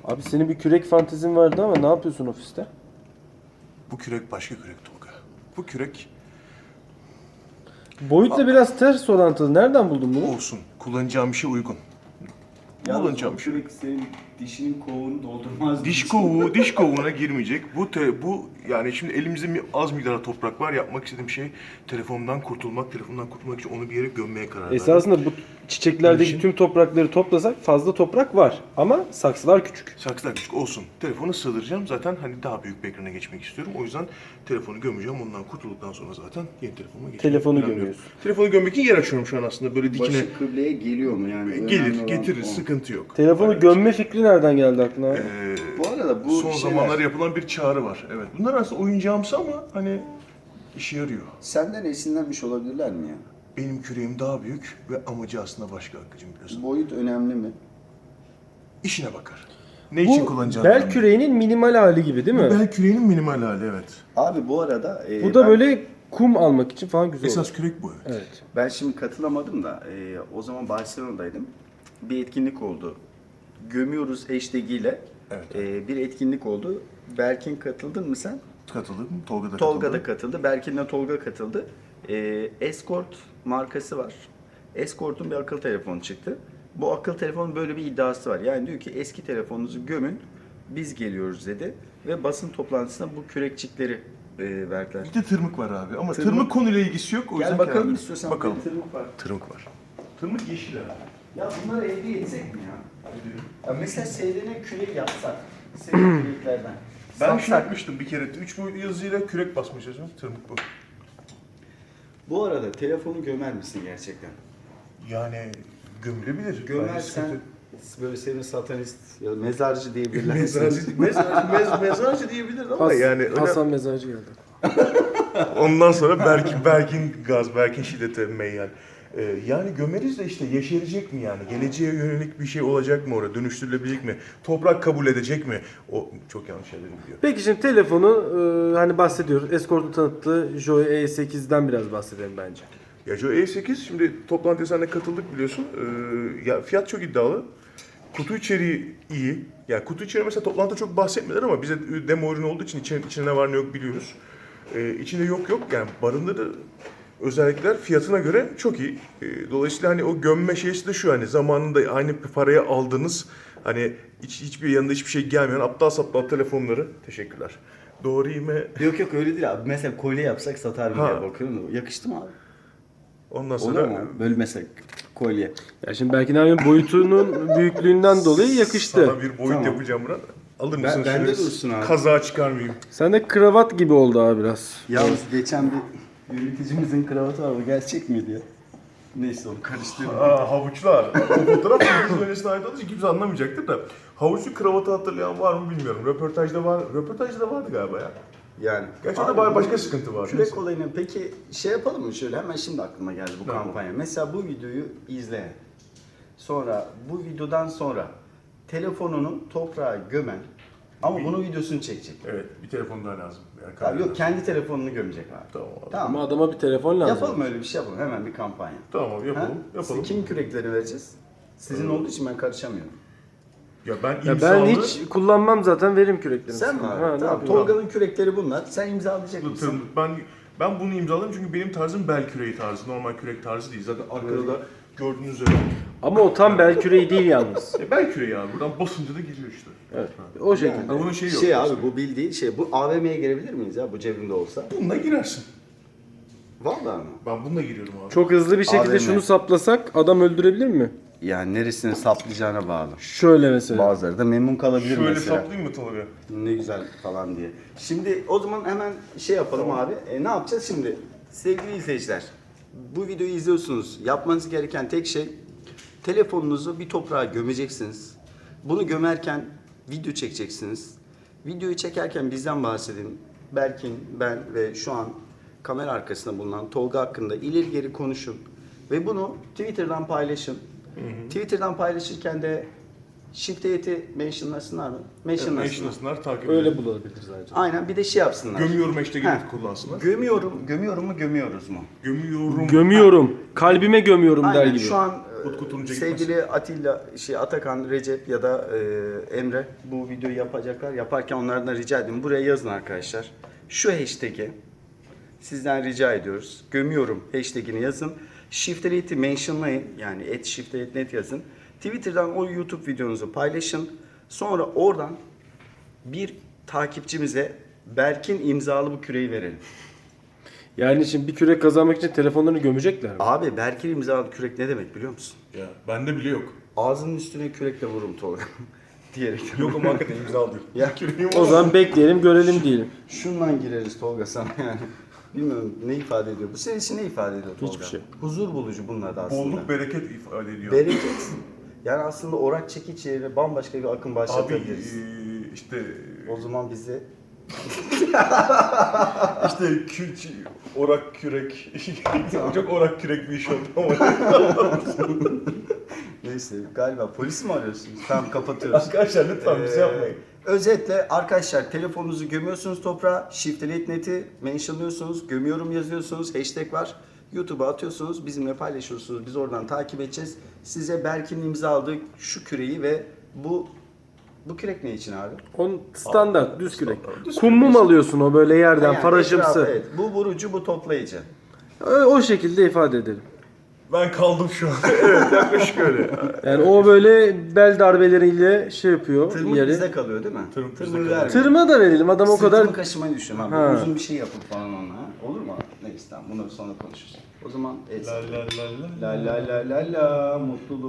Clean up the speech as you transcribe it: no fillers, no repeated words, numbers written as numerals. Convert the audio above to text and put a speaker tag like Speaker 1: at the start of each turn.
Speaker 1: Abi senin bir kürek fantezin vardı ama ne yapıyorsun ofiste?
Speaker 2: Bu kürek başka kürek Tolga. Bu kürek
Speaker 1: Boyutla biraz ters orantılı. Nereden buldun bunu?
Speaker 2: olsun. Kullanacağım bir şey uygun. Kullanacağım bir şey.
Speaker 3: Sürekli senin dişinin kovuğunu doldurmaz.
Speaker 2: Diş kovuğuna girmeyecek. Bu yani şimdi elimizde az miktarda toprak var. Yapmak istediğim şey telefondan kurtulmak için onu bir yere gömmeye karar verdim.
Speaker 1: Esasında bu çiçeklerdeki
Speaker 2: Niçin?
Speaker 1: tüm toprakları toplasak fazla toprak var. Ama saksılar küçük.
Speaker 2: Saksılar küçük olsun. Telefonu sığdıracağım. Zaten hani daha büyük bir ekrana geçmek istiyorum. O yüzden telefonu gömeceğim. Ondan kurtulduktan sonra zaten yeni telefonuma geçeceğim.
Speaker 1: Telefonu
Speaker 2: Planlıyorum.
Speaker 1: gömüyorsun.
Speaker 2: Telefonu gömmek için yer açıyorum şu an aslında. Böyle dikine
Speaker 3: Başı kıbleye geliyor mu yani? Önemli
Speaker 2: gelir,
Speaker 3: olan
Speaker 2: getirir.
Speaker 3: o.
Speaker 2: Sıkıntı yok.
Speaker 1: Telefonu
Speaker 2: Öyle.
Speaker 1: gömme fikri nereden geldi aklına?
Speaker 3: Bu arada bu
Speaker 2: Son
Speaker 3: şeyler,
Speaker 2: zamanlarda yapılan bir çağrı var. Evet. Bunlar aslında oyuncağımsı ama hani işe yarıyor.
Speaker 3: senden esinlenmiş olabilirler mi ya?
Speaker 2: Benim küreğim daha büyük ve amacı aslında başka Hakkı'cığım biliyorsun.
Speaker 3: Boyut önemli mi?
Speaker 2: İşine bakar. Ne için
Speaker 1: Bu
Speaker 2: kullanacağını.
Speaker 1: bel
Speaker 2: önemli.
Speaker 1: küreğinin minimal hali gibi değil mi?
Speaker 2: Bel küreğinin minimal hali evet.
Speaker 3: Abi bu arada
Speaker 1: Bu da
Speaker 3: ben,
Speaker 1: böyle kum almak için falan güzel
Speaker 2: Esas
Speaker 1: olur.
Speaker 2: kürek bu evet.
Speaker 1: Evet.
Speaker 3: ben şimdi katılamadım da o zaman Barcelona'daydım. Bir etkinlik oldu. Gömüyoruz hashtag ile
Speaker 2: Evet.
Speaker 3: bir etkinlik oldu. Berkin katıldın mı sen?
Speaker 2: Katıldım. Tolga da katıldı.
Speaker 3: Tolga da katıldı. Berkin'le Tolga katıldı. Escort markası var. Escort'un bir akıl telefonu çıktı. Bu akıl telefonun böyle bir iddiası var. Yani diyor ki eski telefonunuzu gömün, biz geliyoruz dedi. Ve basın toplantısında bu kürekçikleri verdiler.
Speaker 2: Bir de tırmık var abi ama
Speaker 3: Tırmık-
Speaker 2: tırmık konuyla ilgisi yok. O yüzden
Speaker 3: Gel bakalım
Speaker 2: kenara-
Speaker 3: istiyorsan.
Speaker 2: Bakalım.
Speaker 3: Bir tırmık var.
Speaker 2: Tırmık var. Tırmık yeşil abi.
Speaker 3: Ya bunları elde etsek mi ya? Ya mesela seyrene küreği yapsak. Seyrene küreklerden.
Speaker 2: Ben
Speaker 3: Satsak.
Speaker 2: şey yapmıştım bir kere. 3 boyutlu yazıyla kürek basmışız. Tırmık bu.
Speaker 3: Bu arada telefonu gömer misin gerçekten?
Speaker 2: Yani gömülebilir. Bence
Speaker 3: Gömersen
Speaker 2: sıkıntı-
Speaker 3: böyle senin satanist ya da mezarcı diyebilirler.
Speaker 2: mezarcı diyebilir ama yani öyle-
Speaker 1: Hasan Mezarcı geldi.
Speaker 2: ondan sonra Berkin gaz, Berkin şiddete meyyan. Yani gömeriz de işte yeşerecek mi yani? Geleceğe yönelik bir şey olacak mı orada? Dönüştürülebilecek mi? Toprak kabul edecek mi? O çok yanlış şeyler biliyor.
Speaker 1: Peki şimdi telefonu hani bahsediyoruz. Escort'un tanıttığı Joy E8'den biraz bahsedelim bence.
Speaker 2: Ya Joe E8 şimdi toplantıya seninle katıldık biliyorsun. Ya fiyat çok iddialı. Kutu içeriği iyi. Ya kutu içeriği mesela toplantıda çok bahsetmediler ama bize demo ürün olduğu için içinde ne var ne yok biliyoruz. İçinde yok yani barındırdığı özellikler fiyatına göre çok iyi. Dolayısıyla hani o gömme şeysi de şu hani zamanında aynı paraya aldığınız hani hiçbir yanında hiçbir şey gelmeyen aptal saptal telefonları teşekkürler. Doğru mu?
Speaker 3: Yok öyle değil abi. Mesela kolye yapsak satar mı
Speaker 2: Ha.
Speaker 3: diye bakıyorum. Yakıştı mı abi?
Speaker 2: Ondan
Speaker 3: Olur
Speaker 2: sonra
Speaker 3: mu? Böyle mesela kolye.
Speaker 1: Ya şimdi Berkin abinin boyutunun büyüklüğünden dolayı yakıştı.
Speaker 2: sana bir boyut
Speaker 3: Tamam.
Speaker 2: yapacağım Murat. Alır mısın?
Speaker 3: bende
Speaker 2: şöyle
Speaker 3: dursun abi.
Speaker 2: Kazağı çıkarmayayım.
Speaker 1: Sen de kravat gibi oldu abi biraz.
Speaker 3: Yalnız geçen bir yöneticimizin kravatı var. O gerçek miydi ya? Neyse onu karıştırdım.
Speaker 2: Havuçlar. O fotoğraf İngiliz yöneticine ait olduğu için kimse anlamayacaktır da. Havuçlu kravatı hatırlayan var mı bilmiyorum. Röportajda var. Röportajda da vardı galiba ya.
Speaker 3: Yani.
Speaker 2: Gerçi
Speaker 3: Abi,
Speaker 2: orada başka sıkıntı var.
Speaker 3: Kürek olayını peki şey yapalım mı şöyle hemen şimdi aklıma geldi bu
Speaker 2: Tamam.
Speaker 3: kampanya. Mesela bu videoyu izleyen, sonra bu videodan sonra telefonunu toprağa gömen ama bunun videosunu çekecek.
Speaker 2: Evet, bir telefon daha lazım. Yani
Speaker 3: Abi yok kendi telefonunu gömecek abi.
Speaker 2: Tamam abi.
Speaker 3: Tamam.
Speaker 1: Ama adama bir telefon lazım.
Speaker 3: Yapalım öyle bir şey yapalım hemen bir kampanya.
Speaker 2: Tamam abi yapalım.
Speaker 3: Ha?
Speaker 2: Yapalım.
Speaker 3: Kim kürekleri vereceğiz? Sizin olduğu için ben karışamıyorum.
Speaker 2: Ya ben
Speaker 1: Ya
Speaker 2: imzalı...
Speaker 1: ben hiç kullanmam zaten verim küreklerini.
Speaker 3: Sen mi abi?
Speaker 1: Ha, ne
Speaker 3: Tamam.
Speaker 1: yapayım?
Speaker 3: Tolga'nın kürekleri bunlar. Sen imzalayacak mısın?
Speaker 2: Ben bunu imzaladım çünkü benim tarzım bel küreği tarzı. Normal kürek tarzı değil. Zaten arkada da gördüğünüz üzere.
Speaker 1: Ama o tam bel küreği değil yalnız.
Speaker 2: Bel küreği abi. Buradan basınca da giriyor işte.
Speaker 1: Evet. O şekilde.
Speaker 2: Yani bunun şeyi yok.
Speaker 3: Şey abi bu bildiği şey. Bu AVM'ye girebilir miyiz ya bu cebimde olsa?
Speaker 2: Bununla girersin.
Speaker 3: Vallahi mı?
Speaker 2: Ben bununla giriyorum abi.
Speaker 1: Çok hızlı bir şekilde
Speaker 3: AVM.
Speaker 1: şunu saplasak adam öldürebilir mi?
Speaker 3: Yani neresini saplayacağına bağlı.
Speaker 1: Şöyle mesela.
Speaker 3: Bazıları da memnun kalabilir
Speaker 2: Şöyle
Speaker 3: mesela.
Speaker 2: saplayayım mı Tolga?
Speaker 3: Ne güzel falan diye. Şimdi o zaman hemen şey yapalım abi. Ne yapacağız şimdi? Sevgili izleyiciler, bu videoyu izliyorsunuz. Yapmanız gereken tek şey telefonunuzu bir toprağa gömeceksiniz. Bunu gömerken video çekeceksiniz. Videoyu çekerken bizden bahsedin. Berkin, ben ve şu an kamera arkasında bulunan Tolga hakkında ileri geri konuşun. Ve bunu Twitter'dan paylaşın. Twitter'dan paylaşırken de Shift8'i mentionlasınlar mı?
Speaker 2: Mentionlasınlar, takip edelim.
Speaker 1: Öyle bulabilir zaten.
Speaker 3: Aynen bir de şey yapsınlar.
Speaker 2: Gömüyorum hashtag'i
Speaker 3: Heh.
Speaker 2: kullansınlar.
Speaker 3: Gömüyorum mu gömüyoruz mu?
Speaker 2: Gömüyorum.
Speaker 1: Gömüyorum. Kalbime gömüyorum der
Speaker 3: Aynen
Speaker 1: gibi.
Speaker 3: şu an
Speaker 2: Utku Turuncu
Speaker 3: sevgili Atilla, Atakan, Recep ya da Emre bu videoyu yapacaklar. Yaparken onlardan rica edeyim. Buraya yazın arkadaşlar. Şu hashtag'i sizden rica ediyoruz. Gömüyorum hashtag'ini yazın. Shifterite mentionlayın. Yani @shifterite.net yazın. Twitter'dan o YouTube videonuzu paylaşın. Sonra oradan bir takipçimize Berk'in imzalı bu küreyi verelim.
Speaker 1: Yani şimdi bir kürek kazanmak için telefonlarını gömecekler mi?
Speaker 3: Abi Berk'in imzalı kürek ne demek biliyor musun?
Speaker 2: Ya bende bile yok.
Speaker 3: Ağzının üstüne kürekle vururum Tolga. Diyerek.
Speaker 2: Yok ama hakikaten imza değil.
Speaker 3: Ya.
Speaker 1: O zaman bekleyelim görelim diyelim.
Speaker 3: Şundan gireriz Tolga sana yani. Bilmiyorum ne ifade ediyor. Bu senin için ne ifade ediyor Tolga?
Speaker 1: Hiçbir şey.
Speaker 3: Huzur bulucu bunlar da aslında.
Speaker 2: Bolluk bereket ifade ediyor.
Speaker 3: Bereket. Yani aslında orak çekiç yerine bambaşka bir akım
Speaker 2: Abi
Speaker 3: başlatabiliriz.
Speaker 2: işte
Speaker 3: O zaman bize
Speaker 2: orak kürek. Çok orak kürek bir iş oldu ama.
Speaker 3: neyse galiba polis mi arıyorsunuz? Tamam kapatıyoruz.
Speaker 2: Arkadaşlar lütfen bize yapmayın.
Speaker 3: Özetle arkadaşlar telefonunuzu gömüyorsunuz toprağa, Shifterite.net'i mentionlıyorsunuz, gömüyorum yazıyorsunuz, hashtag var. YouTube'a atıyorsunuz, bizimle paylaşıyorsunuz. Biz oradan takip edeceğiz. Size Berk'in imza aldığı şu küreyi ve bu kürek ne için abi?
Speaker 1: On standart düz kürek.
Speaker 2: Düz
Speaker 1: Kum mum alıyorsun o böyle yerden
Speaker 3: Yani
Speaker 1: faraşımsı.
Speaker 3: etrafı, evet. Bu vurucu, bu toplayıcı.
Speaker 1: O şekilde ifade edelim.
Speaker 2: Ben kaldım şu an. Evet yaklaşık öyle.
Speaker 1: Yani o böyle bel darbeleriyle şey yapıyor
Speaker 3: Tırmık
Speaker 1: yeri.
Speaker 3: bizde kalıyor değil mi?
Speaker 2: Tırmık bizde
Speaker 3: Tırmığı
Speaker 2: kalıyor.
Speaker 3: vermiyor.
Speaker 1: Tırma da verelim adam o kadar.
Speaker 3: Sırtımı kaşımayı düşünüyorum abi.
Speaker 1: Ha.
Speaker 3: Uzun bir şey yapıp falan onunla. Ha? Olur mu abi? Neyse tamam bunları sonra konuşuruz. O zaman evet.
Speaker 2: La la la la.
Speaker 3: La la la la la mutluluk.